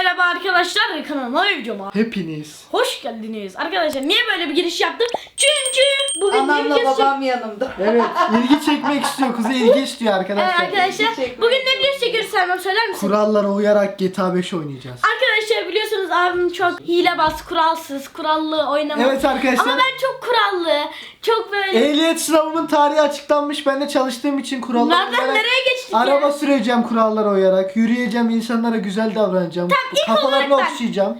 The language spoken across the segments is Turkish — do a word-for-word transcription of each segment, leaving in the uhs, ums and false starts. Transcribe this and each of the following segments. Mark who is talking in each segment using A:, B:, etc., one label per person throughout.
A: merhaba arkadaşlar, kanalıma ve videoma
B: Hepiniz
A: hoş geldiniz. Arkadaşlar niye böyle bir giriş yaptım? Çünkü bugün
C: anamla
A: ne videosu...
C: babam yanımda.
B: Evet, ilgi çekmek istiyor. Kuzey ilgi istiyor
A: Evet
B: arkadaşlar.
A: arkadaşlar,
C: çekmek
A: bugün ne videosu çekiyoruz Selma, söyler misin?
B: Kurallara uyarak G T A beş oynayacağız.
A: Arkadaşlar biliyorsunuz abim çok hilebaz, kuralsız, kurallı oynamaz.
B: Evet arkadaşlar.
A: Ama ben çok kurallı, çok böyle...
B: Ehliyet sınavımın tarihi açıklanmış. Ben de çalıştığım için kurallara
A: Nereden
B: uyarak
A: nereye geçtik
B: araba
A: ya?
B: süreceğim kurallara uyarak. Yürüyeceğim, insanlara güzel davranacağım.
A: ilk
B: Kafalarını
A: olarak ben-
B: okşayacağım.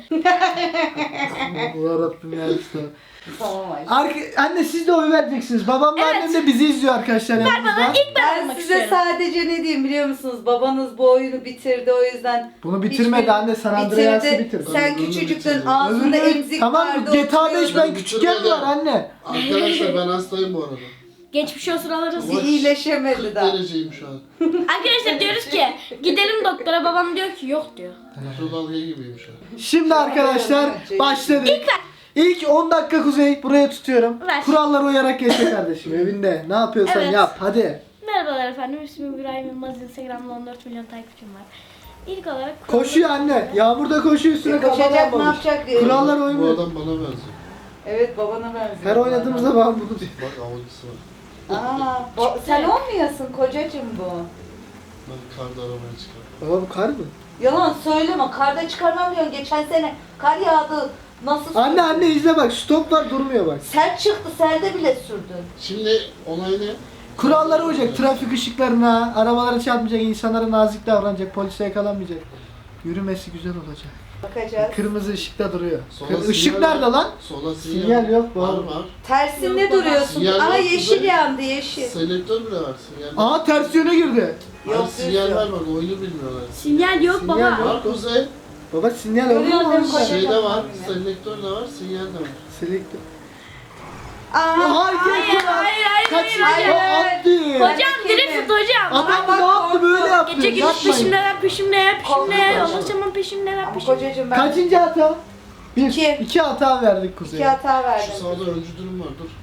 B: Yarabbim ya.
C: Tamam Ayşe.
B: Arka, anne siz de oy vereceksiniz. Babam da
A: Evet.
B: annem de bizi izliyor arkadaşlar
A: Ver bana,
B: yanımızda.
A: ilk ben,
C: Ben
A: olmak
C: size
A: istiyorum.
C: sadece ne diyeyim biliyor musunuz? Babanız bu oyunu bitirdi o yüzden.
B: Bunu bitirmedi
C: hiçbir-
B: anne, sen Andreas'ı bitir.
C: Sen
D: Bunu
C: küçücüktün,
D: bitirdim.
C: ağzında
B: Öbürü-
C: emzik
B: tamam,
C: vardı.
B: G T A beş
C: oturuyordun.
B: ben küçükken mi var anne?
D: Arkadaşlar ben hastayım bu arada.
A: Geçmiş olsun alırız.
D: Ama
C: iyileşemedi
D: kırk
C: daha.
D: dereceyim şu an.
A: Arkadaşlar diyoruz ki gidelim doktora, babam diyor ki yok diyor.
D: Şu dalga gibiyim şu an.
B: Şimdi arkadaşlar başladık.
A: İlk ver.
B: İlk on dakika Kuzey buraya tutuyorum.
A: Ver.
B: Kurallara uyarak geçe kardeşim evinde. Ne yapıyorsan
A: Evet.
B: yap hadi.
A: Merhabalar efendim, ismim İbrahim Yılmaz, Instagram'da on dört milyon takipçim var. İlk olarak
B: Koşuyor anne. Yağmurda koşuyor, üstüne
C: E, koşacak,
B: kafadan
C: ne
B: almamış.
C: yapacak diye.
B: Kurallar
D: Bu
B: oynuyor.
D: adam bana benziyor.
C: Evet, babana benziyor.
B: Her oynadığımızda ben bunu diyor.
D: Bak avcısı var.
C: Aa, bo- sen olmayasın kocacığım bu.
D: Ben karda aramaya çıkardım.
B: Baba bu kar mı?
C: Yalan söyleme, karda çıkarmam diyorsun. Geçen sene kar yağdı. Nasıl
B: Anne
C: sürdün?
B: anne izle bak, stop var durmuyor bak.
C: Sert çıktı, serde bile sürdün.
D: Şimdi olay ne?
B: Kurallara uyacak, trafik ışıklarına, arabalara çarpmayacak, insanlara nazik davranacak, polise yakalanmayacak. Yürümesi güzel olacak.
C: Bakacağız.
B: Kırmızı ışıkta duruyor.
D: Sola
B: Kır- Işık
D: sinyal
B: nerede
D: var.
B: lan?
D: Sola sinyal,
B: Sinyal yok,
D: Var
B: var.
D: var.
C: Tersinde
A: Yok, baba.
C: duruyorsun.
D: Sinyal
C: Aa,
D: yok,
C: yeşil
D: güzel.
C: yandı, yeşil.
D: Selektör bile var. Sinyal.
B: Aa ters yöne girdi.
D: Hayır,
C: Yok,
D: sinyaller
C: yok.
D: var. Oyunu bilmiyorlar.
A: sinyal yok
B: Sinyal
A: baba.
B: yok.
D: Var Kuzey.
B: Baba sinyal olur
C: Görüyor
B: mu?
C: musun?
B: orada?
C: Kocaman
D: Şeyde var.
C: var.
D: Selektör de var. Sinyal de var.
B: Selektör.
C: Aa,
B: Hayır,
A: Hayır hayır hayır
B: Kaç
A: hayır.
C: hayır.
B: attı.
A: Hocam drift hocam.
B: Adam
C: bak,
B: ne yaptı böyle yaptı.
A: Gece gündüz
B: Yapmayın.
A: peşimdeler peşimdeler peşimdeler.
D: Korkma.
A: Ulaşamam peşimdeler
C: Ama
A: peşimdeler.
C: kocacığım ben
B: Kaçıncı hata? Bir.
C: İki.
B: İki hata verdik Kuzey'e.
C: iki hata
D: Şu
C: verdim.
D: sağda öncü durum var. Dur.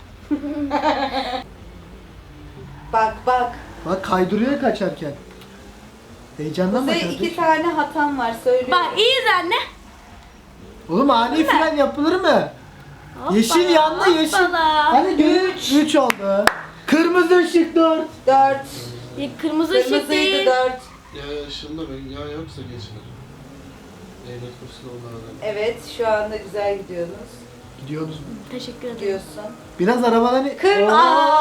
C: Bak bak.
B: Bak kaydırıyor kaçarken. Heyecandan mı
C: Kuzey
B: kardeşim?
C: iki tane hatam var söylüyorum.
A: Bak iyiyiz anne.
B: Oğlum ani fren yapılır mı? Yeşil yandı, yeşil.
A: Hoppala.
B: Hani üç. Üç oldu. Kırmızı ışık dört.
C: Dört.
A: Kırmızı ışık
C: Kırmızıydı
A: değil.
C: dört.
D: Ya ışığında ben yağ yoksa geçilir. Ehliyet kursuna onlara.
C: Evet, şu anda güzel gidiyorsunuz.
B: Gidiyoruz mu?
A: Teşekkür ederim.
C: Gidiyorsun.
B: Biraz arabadan...
C: Kırmızı.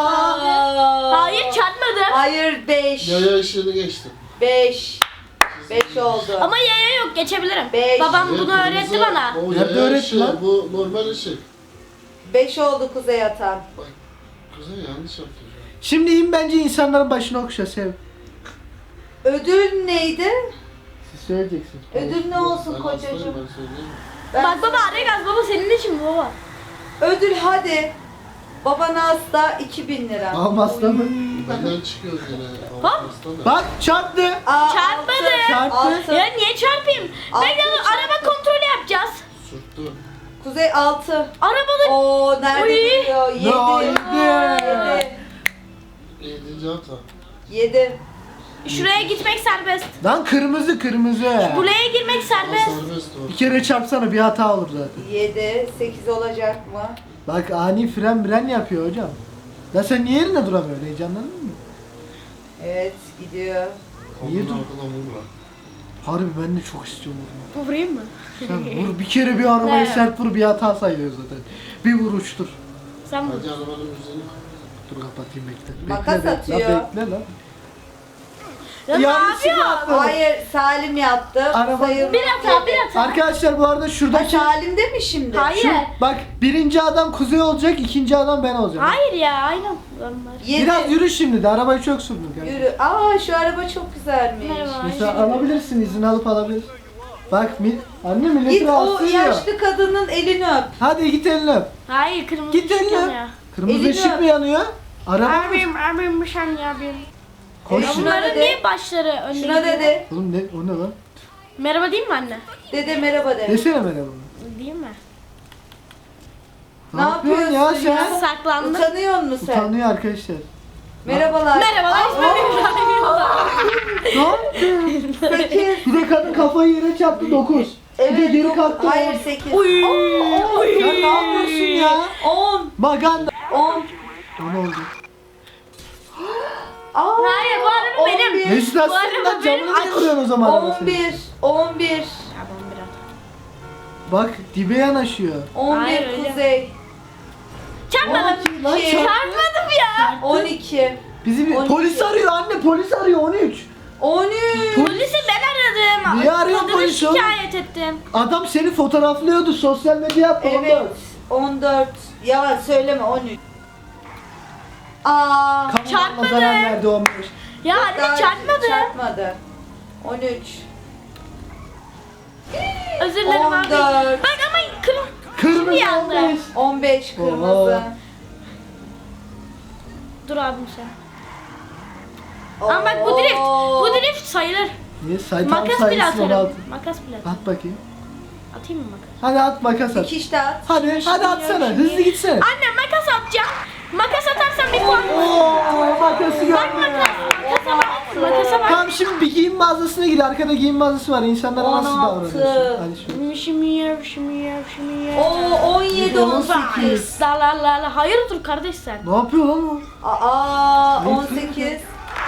B: Oo.
A: Hayır çarpmadı.
C: Hayır beş.
D: Yaya ışığını geçtim.
C: Beş. Beş oldu.
A: Ama yaya yok, geçebilirim.
C: Beş.
A: Babam
D: Evet,
A: bunu
D: kırmızı-
A: öğretti bana.
D: O
B: Nerede
D: yaya
B: öğretti
D: ışığı,
B: lan?
D: bu normal ışık.
C: Beş oldu Kuzey hatan.
D: Bak, Kuzey yanlış yaptı şu an.
B: Şimdi in bence insanların başına okşa sev.
C: Ödül neydi?
B: Siz söyleyeceksiniz.
C: Ödül ne olsun
D: Ben hastayım,
C: kocacığım?
D: ben söyleyeyim.
C: Ben-
A: Bak baba araya gaz, baba senin için bu baba.
C: Ödül hadi. Babana hasta iki bin lira.
B: Almazsa mı?
D: Benden çıkıyoruz yine.
A: Hop.
D: Hastane.
B: Bak çarptı.
C: Aa,
A: Çarpmadı.
B: Çarptı.
C: Altı.
A: Ya niye çarpayım?
C: Altı
A: Bekle dur,
C: çarptı.
A: araba kontrolü yapacağız.
D: Sürttü.
C: Kuzey altı.
A: Arabada
C: Oo nerede
A: Oy.
C: duruyor? Yedi.
B: No, yedi.
C: Yedi.
D: Yedinci hata.
C: Yedi.
A: şuraya gitmek serbest.
B: Lan kırmızı kırmızı.
A: Buraya girmek
D: O
A: serbest.
D: serbest o.
B: Bir kere çarpsana bir hata olur zaten.
C: Yedi. Sekiz olacak mı?
B: Bak ani fren fren yapıyor hocam. Ya sen niye yerinde duramıyorsun? Heyecanlandın mı?
C: Evet gidiyor.
B: Niye
D: Onun
B: dur-
D: ardına vurma.
B: Harbi ben de çok istiyorum vurmayı.
A: Vurayım mı?
B: Sen vur bir kere bir arabayı
A: Evet.
B: sert vur, bir hata sayılıyor zaten. Bir vuruştur.
A: Sen vur.
D: Hadi arabanın müziğini.
B: Dur kapatayım bekle.
C: Makas
B: bekle,
C: atıyor.
B: Bekle, bekle lan.
A: Ya ne
B: Yanlışlıkla
A: yapıyorsun?
B: atladım.
C: Hayır Salim yaptı.
B: Araba-
C: Sayılmaz
A: Bir hata, bir
C: dedi.
A: hata.
B: Arkadaşlar bu arada
C: Ha,
B: şuradaki...
C: Salim de mi şimdi?
A: Hayır.
B: Şu, bak birinci adam Kuzey olacak, ikinci adam ben olacağım.
A: Hayır ya, aynen. Onlar.
C: Yedi.
B: Biraz yürü şimdi de, arabayı çok sürdün kanka.
C: Yürü. Aa şu araba çok güzelmiş.
A: Merhaba.
B: Mesela alabilirsin, izin alıp alabilirsin. Bak mi, anne milleti
C: Git o
B: rahatsız ediyor.
C: yaşlı kadının elini öp.
B: Hadi git elini öp.
A: Hayır, kırmızı
B: Git
A: ışık
B: elini öp.
A: yanıyor.
B: Kırmızı
C: Elini
B: ışık
C: öp.
B: mı yanıyor? Araba mı?
A: Abim, abim bir saniye abim.
B: Koş.
C: Şuna
A: Bunların
C: dedi.
A: niye başları önde
C: Şuna
A: gidiyor?
C: dedi.
B: Oğlum ne, o ne lan?
A: Merhaba değil mi anne?
C: Dede merhaba de.
B: Desene merhaba.
A: Değil mi?
B: Ne yapıyorsun ya
C: yapıyorsun
B: sen?
C: ya?
A: Saklandım.
C: Utanıyor musun sen?
B: Utanıyor arkadaşlar.
C: Merhabalar.
A: Merhabalar, ismim İbrahim Yılmaz.
B: Ne yaptın?
C: Sekiz.
B: Bir de kadın kafayı yere çarptı dokuz.
C: Evet.
B: geri
C: dok-
B: kalktı.
C: Hayır sekiz.
A: Uy.
B: Sen ne yapıyorsun ya?
C: on.
B: Maganda.
C: on.
B: Ne oldu?
C: Aa,
A: Hayır, bu araba benim.
C: on bir.
B: Mesut
A: Bu
B: aslında
A: araba
B: camını
A: benim.
B: niye kırıyorsun o zaman araba
C: on
B: senin?
C: bir. on bir.
A: Ya ben biraz.
B: Bak dibe yanaşıyor.
C: on
A: Hayır,
C: bir
A: öyle.
C: Kuzey.
A: Çarpmadım.
B: Lan
C: on iki.
B: çarp-
A: Çarpmadım ya.
C: on iki.
B: Bizi bir
C: on iki.
B: polis arıyor anne, polis arıyor on üç.
C: on üç.
A: Polisi ben aradım.
B: Niye arıyorsun
A: Kadını
B: polisi oğlum?
A: şikayet ettim.
B: Adam seni fotoğraflıyordu sosyal medya yaptı
C: Evet.
B: ondan.
C: on dört. Yalan söyleme on üç. Aa.
B: Kamudan
A: Çarpmadı.
B: zarar verdi on beş.
A: Ya
C: daha
A: anne çarpmadı.
C: Çarpmadı. on üç.
A: Özür dilerim
C: on
A: abi.
C: dört.
A: Bak ama kır...
B: Kırmızı
A: Şimdi yandı.
B: on beş.
C: on beş kırmızı.
B: Oha.
A: Dur abim sen. Ama bak bu drift. Bu drift sayılır.
B: Niye? Saytan
A: Makas bile
B: sayısın on altı.
A: atarım. Makas bile atarım.
B: At bakayım.
A: Atayım mı makas?
B: Hadi at makas at.
C: Dikiş de at.
B: Hadi hadi atsana. Hızlı gitsene.
A: Anne makas atacağım. Makas atarsam bir puan.
B: Oo, makası gördüm.
A: Bak makas. Makasa bak. Makasa bak.
B: Tamam şimdi bir giyim mağazasına gir. Arkada giyim mağazası var. İnsanlara nasıl
C: on altı.
B: davranıyorsun? Hadi şöyle.
A: Şimiyer, şimiyer, şimiyer.
C: Oo on yedi on
B: on
C: sekiz.
B: sekiz.
A: La la la la. Hayırdır kardeş sen?
B: Ne yapıyor lan o?
C: Aa on sekiz.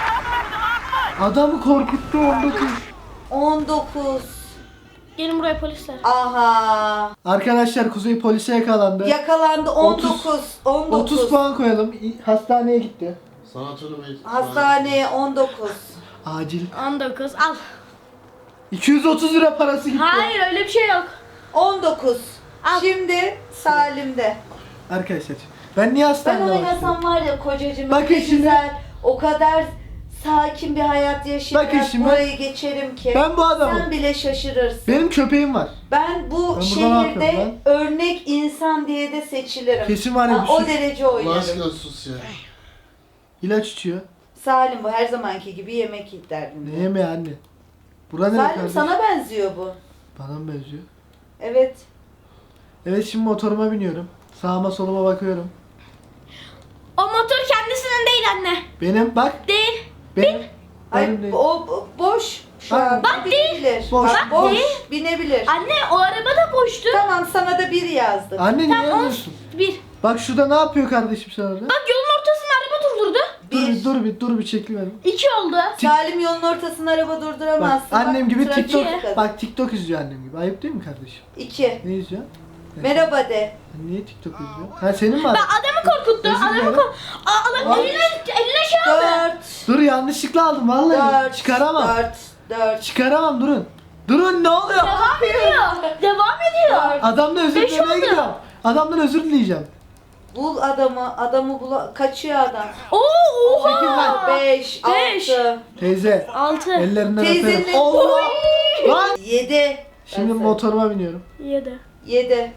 B: Adamı korkuttu on dokuz.
C: on dokuz.
A: Gelin buraya polisler.
C: Aha.
B: Arkadaşlar Kuzey polise yakalandı.
C: Yakalandı on dokuz. on
B: otuz
C: dokuz.
B: puan koyalım. İ- Hastaneye gitti.
D: Sanatörü Bey.
C: Hastaneye on dokuz.
B: Acil.
A: on dokuz al.
B: iki yüz otuz lira parası gitti.
A: Hayır öyle bir şey yok.
C: on dokuz.
A: Al.
C: Şimdi Salim'de.
B: Arkadaşlar ben niye
C: Ben
B: hastanede başladım?
C: oynasam var ya kocacığım
B: Bakın
C: öyle
B: şimdi.
C: güzel, o kadar sakin bir hayat yaşayarak
B: Bakın şimdi.
C: burayı geçerim ki.
B: Ben bu adamım.
C: Sen bile şaşırırsın.
B: Benim köpeğim var.
C: Ben bu
B: Ben burada ne
C: şehirde
B: yapıyorum
C: örnek insan diye de seçilirim.
B: Kesin var ya
C: Ha,
B: bir
C: o
B: suç.
C: derece
D: Allah
C: oynarım.
D: aşkına sus ya.
B: İlaç içiyor.
C: Salim bu her zamanki gibi yemek yiyip
B: Ne
C: derdinde.
B: yemeği anne? Bura ne
C: Salim
B: kardeş?
C: sana benziyor bu.
B: Bana mı benziyor?
C: Evet.
B: Evet şimdi motoruma biniyorum. Sağıma soluma bakıyorum.
A: O motor kendisinin değil anne.
B: Benim bak.
A: Değil.
B: Benim.
C: Ay,
B: Benim değil.
C: o o boş şu
B: Bak-
C: an.
A: Bak değil.
C: binebilir.
B: Boş.
C: Bak,
A: Bak
C: boş.
A: değil.
C: Binebilir.
A: Anne o araba da boştu.
C: Tamam sana da bir yazdık.
B: Anne niye
A: Tamam on
B: yazıyorsun?
A: bir.
B: Bak şurada ne yapıyor kardeşim sen orada?
A: Bak yolun ortasında araba durdurdu.
B: Dur
C: Bir.
B: bir dur bir dur bir çekil benim.
A: İki oldu.
C: Salim yolun ortasında araba
B: Bak
C: durduramazsın.
B: annem gibi
C: trafiğe
B: TikTok
C: dikkat.
B: bak TikTok izliyor annem gibi. Ayıp değil mi kardeşim?
C: İki.
B: Ne izliyor?
C: Merhaba de.
B: Niye TikTok izliyor? Ha senin mi?
A: Ben adamı korkuttu.
B: Özür
A: Adamı
B: dilerim.
A: korkuttu. Adam
B: Al.
A: eline, eline şey aldı.
C: Dört.
B: Dur yanlışlıkla aldım vallahi.
C: Dört.
B: Çıkaramam.
C: Dört. Dört.
B: Çıkaramam durun. Durun ne oluyor?
A: Devam ediyor. Devam ediyor.
C: Dört.
B: Adamdan özür
A: Beş
B: dilemeye
A: oldu.
B: gidiyorum. Adamdan özür dileyeceğim.
C: Bul adamı. Adamı bula. Kaçıyor adam.
A: Oo
B: Sekiz
A: oha.
B: lan.
C: Beş.
A: Beş.
C: Altı.
B: Teyze
A: Altı.
B: ellerinden
C: Teyzenin-
B: öperim. Allah! Lan!
C: Yedi.
B: Şimdi
C: Ben
B: motoruma biniyorum.
A: Yedi.
C: Yedi.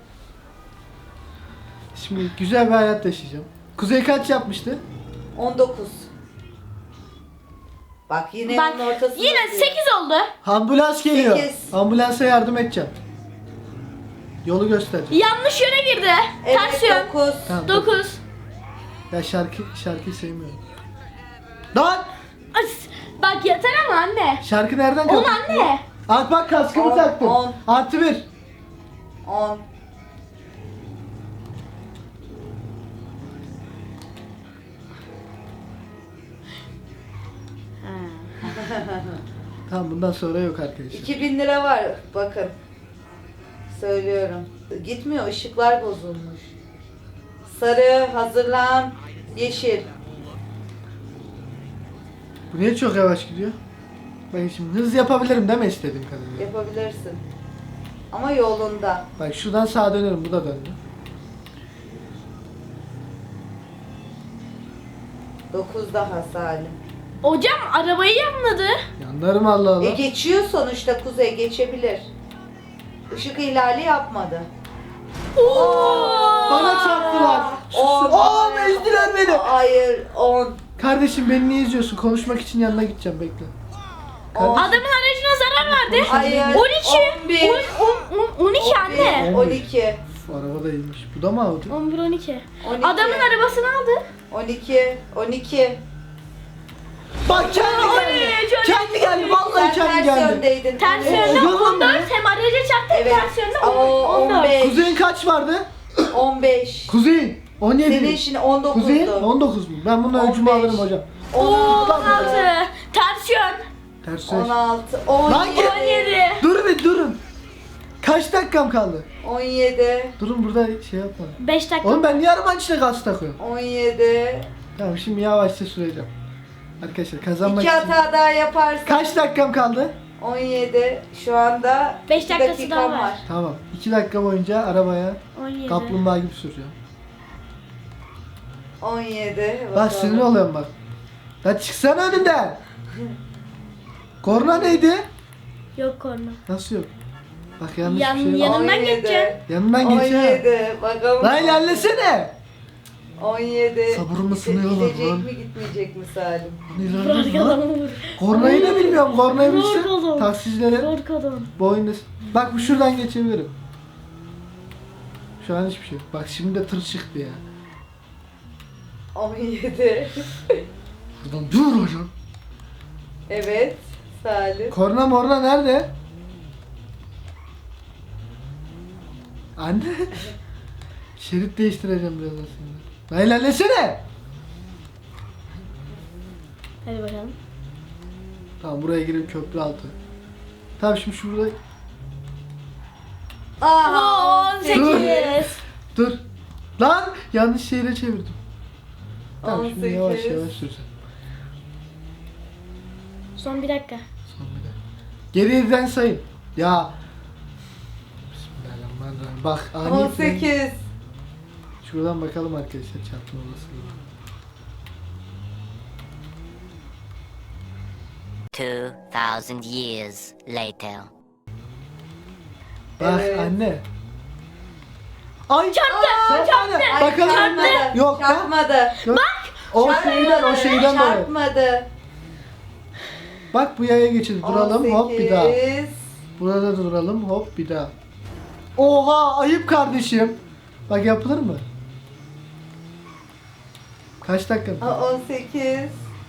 B: Şimdi güzel bir hayat yaşayacağım. Kuzey kaç yapmıştı?
C: On dokuz. Bak yine
A: Bak
C: yolun ortasında.
A: yine
C: diyor.
A: sekiz oldu.
B: Ambulans geliyor.
C: Sekiz.
B: Ambulansa yardım edeceğim. Yolu göstereceğim.
A: Yanlış yöne girdi.
C: Evet
A: Ters yön.
C: dokuz.
B: Tamam.
A: Dokuz.
B: Ya şarkı şarkıyı sevmiyorum. Lan!
A: As, bak yeter ama anne.
B: Şarkı nereden
A: On
B: kapatıyor?
A: anne.
B: At bak kaskımı
C: On,
B: taktım.
C: on.
B: Artı bir.
C: On.
B: Tamam bundan sonra yok arkadaşlar.
C: İki bin lira var. Bakın. Söylüyorum. Gitmiyor. Işıklar bozulmuş. Sarı. Hazırlan. Yeşil.
B: Bu niye çok yavaş gidiyor? Bakın şimdi hız yapabilirim değil mi istediğim kadarıyla?
C: Yapabilirsin. Ama yolunda.
B: Bak şuradan sağa dönerim bu da döndü.
C: Dokuz daha Salim.
A: Hocam arabayı yanladı.
B: Yanlarım Allah Allah.
C: E geçiyor sonuçta Kuzey. Geçebilir. Işık ihlali yapmadı.
A: Oo.
B: Bana çarptılar.
C: On.
B: Aa ezdiler beni.
C: Hayır. On.
B: Kardeşim beni niye izliyorsun? Konuşmak için yanına gideceğim bekle.
C: On.
A: Adamın aracına zarar verdi.
C: Hayır.
A: on iki.
C: On bir.
A: on- on- on iki anne.
C: On iki.
B: Uf, araba da iyiymiş. Bu da mı Audi?
A: on bir on iki.
C: On iki.
A: Adamın arabasını aldı.
C: On iki. On iki.
B: Bak kendi
A: Oy,
B: geldi.
A: çok-
B: Kendi geldi. Vallahi
C: Sen
B: kendi
C: ters
B: geldi.
C: yöndeydin.
A: Ters
C: Evet.
A: yönde
B: Yalan
A: on dört
B: mı?
A: hem araca çarptı hem
C: Evet.
B: kaç vardı?
C: on beş.
B: Kuzey on yedi.
C: Senin şimdi on
B: Kuzey
C: dokuzdu.
B: on dokuz mu? Ben bunun
C: on
B: ölçümü
C: beş.
B: alırım hocam.
A: Oo,
C: on
A: on altı. Ters yön.
B: Ters söz.
C: on altı. on
B: Lan
C: yedi.
A: on yedi.
B: Durun bir durun. Kaç dakikam kaldı?
C: on yedi.
B: Durun burada şey yapma.
A: beş dakika.
B: Oğlum ben niye arabanın içine gaz takıyorum?
C: on yedi.
B: Tamam şimdi yavaşça süreceğim. Arkadaşlar kazanmak
C: İki
B: için.
C: hata daha yaparsın.
B: Kaç dakikam kaldı?
C: on yedi. Şu anda
A: Beş
C: iki
A: dakikası
C: dakikam
A: daha var.
C: var.
B: Tamam. iki dakika boyunca arabaya
A: on yedi.
B: kaplumbağa gibi süreceğim.
C: on yedi.
B: Bak sinir oluyorum bak. Lan çıksana önümden. Korna neydi?
A: Yok korna.
B: Nasıl yok? Bak yanlış
A: Yan-
B: bir şey var.
A: yanından
C: on yedi.
A: geçeceksin.
B: Yanından
C: on
B: geçeceğim.
C: yedi. Bakalım.
B: Lan ilerlesene.
C: on yedi.
B: Sabrımı
C: Gide-
B: sınıyorlar
C: Gidecek
B: lan.
C: mi gitmeyecek mi Salim?
B: İlerle
A: Bırak
B: lan.
A: adamı vur.
B: Kornayı da bilmiyorum. Kornayı
A: Vur
B: bilse
A: oğlum.
B: taksicilere
A: Zor kadın.
B: boynu... Bak bu şuradan geçebilirim. Şu an hiçbir şey yok. Bak şimdi de tır çıktı ya.
C: on yedi.
B: Buradan dur hocam.
C: Evet. Salim.
B: Korna morna nerede? Anne. Şerit değiştireceğim birazdan şimdi. Lan ilerlesene.
A: Hadi bakalım.
B: Tamam buraya girip köprü altı. Tamam şimdi şurada...
C: Aa,
A: on sekiz.
B: Dur. Lan yanlış şehre çevirdim. Tamam şimdi
C: on sekiz.
B: yavaş yavaş sürsen.
A: Son bir dakika.
B: Son bir de. Geriden sayın. Ya. Bismillahirrahmanirrahim. Bak ani
C: on
B: fren-
C: sekiz.
B: Şuradan bakalım arkadaşlar çarpma olasılığı.
E: Two thousand years later.
B: Bak
C: Evet.
B: anne. Ay
A: Çarptı.
B: çarptı.
C: Ay,
B: Bakalım.
C: çarpmadı.
B: Yok lan.
C: Çarpmadı.
B: Yok. O şeyden o şeyden dolayı.
C: Çarpmadı.
B: Bak bu yaya geçildi. Duralım hop bir daha.
C: on sekiz.
B: Burada duralım hop bir daha. Oha ayıp kardeşim. Bak yapılır mı? Kaç dakika?
C: Aa, on sekiz.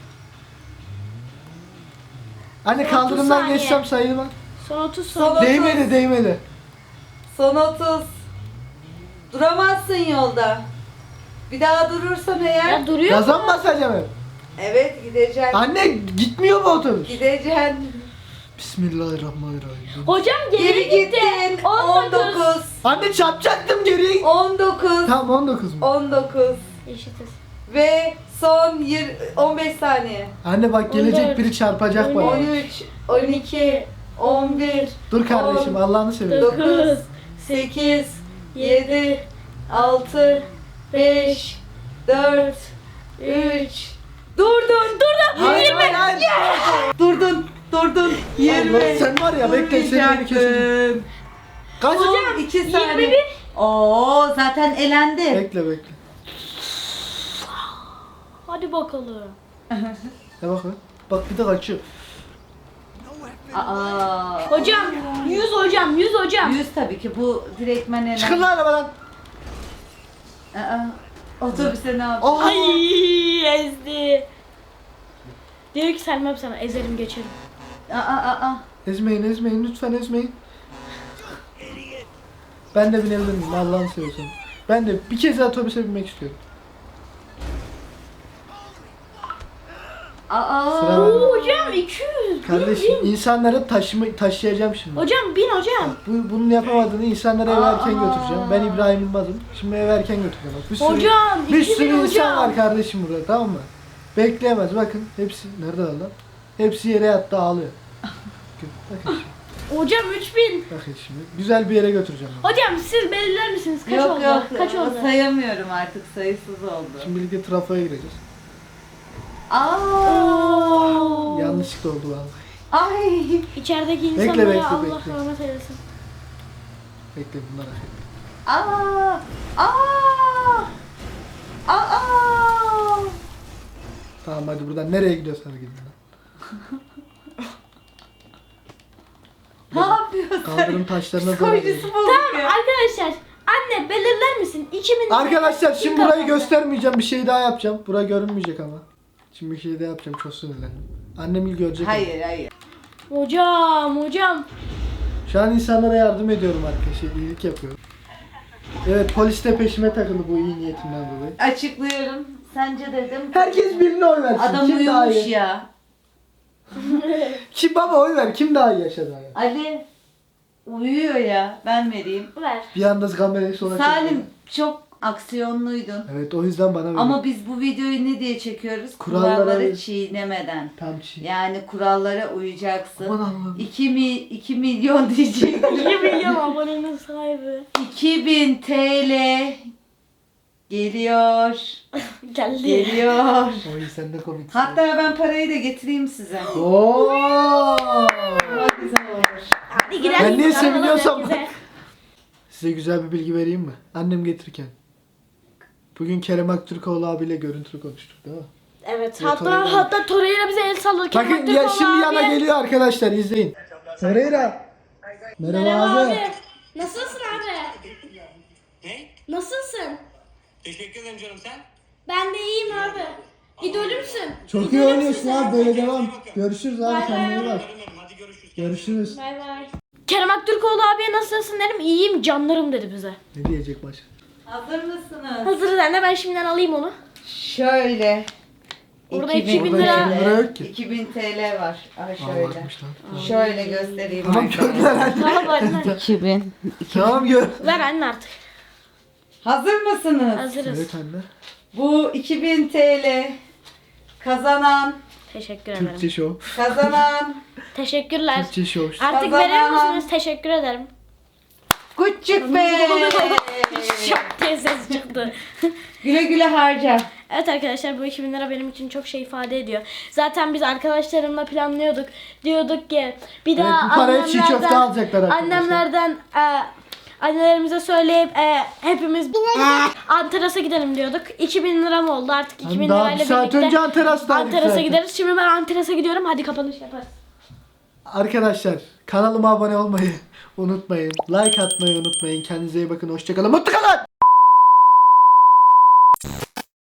B: Anne
A: Son
B: kaldırımdan
A: otuz
B: geçsem
A: saniye.
B: sayılmaz.
A: Son otuz
C: Son
A: son.
C: otuz.
B: Değmedi değmedi.
C: Son otuz. Duramazsın yolda. Bir daha durursan eğer.
A: Ya duruyor
B: Gaza
A: mu?
B: mı basacağım hep?
C: Evet gideceksin.
B: Anne gitmiyor mu otobüs?
C: Gideceksin.
B: Bismillahirrahmanirrahim.
A: Hocam geri,
C: Geri
A: gitti.
C: gittin.
A: on
C: on
A: dokuz.
C: dokuz.
B: Anne çarpacaktım geri.
C: on dokuz.
B: Tamam on dokuz mu?
C: on dokuz.
A: Eşitiz.
C: Ve son yir- on beş saniye.
B: Anne bak gelecek
A: on dört,
B: biri çarpacak bana.
C: on üç, on iki, on bir,
B: Dur kardeşim
C: on,
B: Allah'ını seversen.
C: dokuz, sekiz, yedi, altı, beş, dört, üç. Durdun, durdun.
B: Hayır hayır hayır.
C: Durdun, durdun. yirmi.
B: Allah, sen var ya bekle seni beni keseceğim. Kaç?
C: Hocam iki saniye.
A: yirmi bir.
C: Oo zaten elendi.
B: Bekle bekle.
A: Hadi bakalım.
B: Ne bak lan. Bak bir de kaçıyor.
C: Aa.
A: Hocam yüz hocam yüz hocam.
C: Yüz tabii ki bu direktmen elendi.
B: Çıkın lan arabadan.
C: Aa. Otobüse ne yaptın?
B: Oh.
A: Ay ezdi. Diyor ki Selma sana ezerim geçerim.
C: Aa aa aa.
B: Ezmeyin ezmeyin lütfen ezmeyin. Ben de binebilir miyim Allah'ını seversen. Ben de bir kez daha otobüse binmek istiyorum.
C: Aa.
B: Sıra
A: Oo,
B: bende.
A: hocam iki yüz.
B: Kardeşim insanları taşıma, taşıyacağım şimdi.
A: Hocam bin hocam.
B: Bu, bunun yapamadığını insanlara eve erken
C: Aa.
B: götüreceğim. Ben İbrahim Yılmaz'ım. Şimdi eve erken götüreceğim. Bak, bir sürü,
A: Hocam
B: bir
A: iki
B: sürü
A: bin
B: insan
A: hocam.
B: var kardeşim burada tamam mı? Bekleyemez bakın. Hepsi nerede lan? Hepsi yere yattı ağlıyor. Bakın, bakın şimdi.
A: Hocam üç bin.
B: Bakın şimdi. Güzel bir yere götüreceğim. onu.
A: Hocam siz belirler misiniz? Kaç
C: Yok
A: oldu?
C: yok.
A: Kaç oldu?
C: Sayamıyorum artık sayısız oldu.
B: Şimdi birlikte trafoya gireceğiz.
C: Aa.
A: Oo.
B: Yanlışlıkla oldu vallahi.
C: Ay.
A: İçerideki
B: Bekle,
A: insanlara
B: bekle,
A: Allah
B: bekle.
A: rahmet eylesin.
B: Bekle bunlar hak etti.
C: Aa. Aa. Aa.
B: Tamam hadi buradan nereye gidiyorsan gidin.
C: Ne yapıyorsun?
B: Kaldırım taşlarına doğru.
C: Psikolojisi bozuk
A: Tamam
C: ya.
A: arkadaşlar. Anne belirler misin? iki bin.
B: Arkadaşlar şimdi
A: Bir
B: burayı
A: kapandı.
B: göstermeyeceğim. Bir şey daha yapacağım. Bura görünmeyecek ama. Şimdi bir şey daha yapacağım. Çok sinirlendim. Annem il görecek.
C: Hayır hayır.
A: Hocam hocam.
B: Şu an insanlara yardım ediyorum arkadaşlar. İyilik yapıyorum. Evet, polis de peşime takıldı bu iyi niyetimden dolayı.
C: Açıklıyorum. Sence dedim.
B: Herkes birine oy versin.
C: Adam
B: Kim daha
C: uyumuş
B: iyi?
C: ya.
B: Kim baba oy ver? Kim daha iyi yaşadı hayat?
C: Ali uyuyor ya. Ben vereyim.
A: Ver.
B: Bir anda kamerayı sona
C: Salim
B: çekiyor.
C: çok aksiyonluydun.
B: Evet, o yüzden bana ver.
C: Ama biz bu videoyu ne diye çekiyoruz?
B: Kurallara-
C: Kuralları çiğnemeden.
B: Tam çiğ.
C: Yani kurallara uyacaksın.
B: Aman Allah'ım.
C: iki mi iki milyon diyecek.
A: iki milyon abonenin sahibi.
C: iki bin T L geliyor.
A: Geldi.
C: Geliyor.
B: Oy sen de komiksin.
C: Hatta ben parayı da getireyim size.
B: Oo!
C: Çok güzel olur.
A: Hadi girelim.
B: Ben niye
A: Sarılalım
B: seviniyorsam-
A: herkese.
B: Size güzel bir bilgi vereyim mi? Annem getirirken. Bugün Kerem Aktürkoğlu abiyle görüntülü konuştuk değil mi?
A: Evet,
B: Ya,
A: hatta
B: Torreira.
A: hatta Torreira bize el sallarken
B: Bakın ya şimdi yana geliyor arkadaşlar, izleyin. Torreira. Merhaba,
A: Merhaba
B: abi.
A: abi. Nasılsın abi?
F: Ne?
A: Nasılsın?
F: Teşekkür ederim canım sen.
A: Ben de iyiyim abi. İdolümsün.
B: Çok iyi oynuyorsun abi, böyle devam. Görüşürüz abi,
A: Bay
B: kendine iyi
A: bay.
B: bak.
F: Canım hadi görüşürüz.
B: Görüşürüz.
A: Bay bay. Kerem Aktürkoğlu abiye nasılsın dedim. İyiyim canlarım dedi bize.
B: Ne diyecek başka?
C: Hazır mısınız?
A: Hazırız anne, ben şimdiden alayım onu.
C: Şöyle.
A: Orada
C: iki bin
A: iki bin
B: Orada
A: lira.
B: iki bin lira yok ki.
C: iki bin T L var. Aha
B: Aa,
C: şöyle.
B: bakmış lan.
C: Şöyle göstereyim.
B: Tamam
C: arkadaşlar.
B: gönder anne.
A: Tamam anne.
C: iki bin.
B: Tamam gör.
A: Ver anne artık.
C: Hazır mısınız?
A: Hazırız.
B: Evet anne.
C: Bu iki bin T L kazanan,
A: Teşekkür ederim.
B: Türkçe show.
C: kazanan
A: Teşekkürler.
B: Türkçe show.
A: Artık
C: Kazanan.
A: verir misiniz? Teşekkür ederim.
C: Küçük Bey.
A: Şak diye ses çıktı.
C: Güle güle harca.
A: Evet arkadaşlar, bu iki bin lira benim için çok şey ifade ediyor. Zaten biz arkadaşlarımla planlıyorduk. Diyorduk ki bir daha
B: Evet, bu parayı çiğ köfte
A: annemlerden-
B: alacaklar arkadaşlar.
A: Annemlerden e, annelerimize söyleyip e, hepimiz Antaras'a gidelim diyorduk. iki bin lira mı oldu artık? iki bin
B: Daha
A: lirayla
B: bir saat
A: birlikte
B: önce Antaras'taydık
A: Antaras'a
B: zaten.
A: gideriz. Şimdi ben Antaras'a gidiyorum. Hadi kapanış yaparız.
B: Arkadaşlar kanalıma abone olmayı unutmayın. Like atmayı unutmayın. Kendinize iyi bakın. Hoşçakalın. Mutlu kalın.